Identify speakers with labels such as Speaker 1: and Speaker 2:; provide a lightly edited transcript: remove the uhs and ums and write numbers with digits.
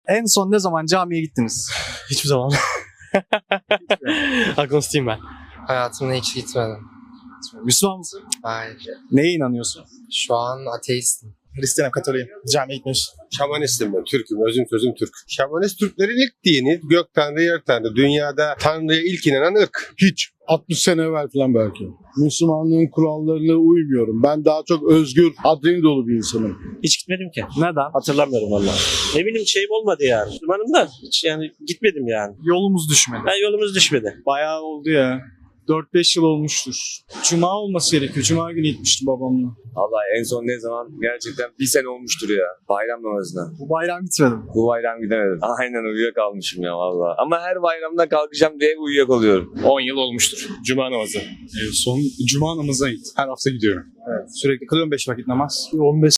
Speaker 1: En son ne zaman camiye gittiniz?
Speaker 2: Hiçbir zaman. Agnostiyim ben.
Speaker 3: Hayatımda hiç gitmedim.
Speaker 1: Müslüman mısın?
Speaker 3: Hayır.
Speaker 1: Neye inanıyorsun?
Speaker 3: Şu an ateistim.
Speaker 4: Hristiyanım, Katolik. Camiye gitmiş.
Speaker 5: Şamanistim ben, Türk'üm, özüm sözüm Türk. Şamanist Türklerin ilk dini, gök tanrı, yer tanrı. Dünyada tanrıya ilk inanan ırk.
Speaker 6: Hiç. 60 sene evvel falan belki. Müslümanlığın kurallarına uymuyorum. Ben daha çok özgür, adrenalin dolu bir insanım.
Speaker 2: Hiç gitmedim ki.
Speaker 1: Neden?
Speaker 2: Hatırlamıyorum vallahi. Ne bileyim şeyim olmadı yani. Müslümanım da hiç yani gitmedim yani.
Speaker 1: Yolumuz düşmedi.
Speaker 2: Ben yolumuz düşmedi.
Speaker 1: Bayağı oldu ya. 4-5 yıl olmuştur. Cuma olması gerekiyor. Cuma günü gitmiştim babamla.
Speaker 7: Vallahi en son ne zaman? Gerçekten bir sene olmuştur ya. Bayram namazına.
Speaker 1: Bu bayram gitmedim.
Speaker 7: Bu bayram gidemedim. Aynen uyuyakalmışım ya vallahi. Ama her bayramda kalkacağım diye uyuyakalıyorum.
Speaker 8: 10 yıl olmuştur. Cuma namazı.
Speaker 4: Son cuma namazına git. Her hafta gidiyorum.
Speaker 1: Evet. Sürekli kılıyorum 5 vakit namaz.
Speaker 4: 15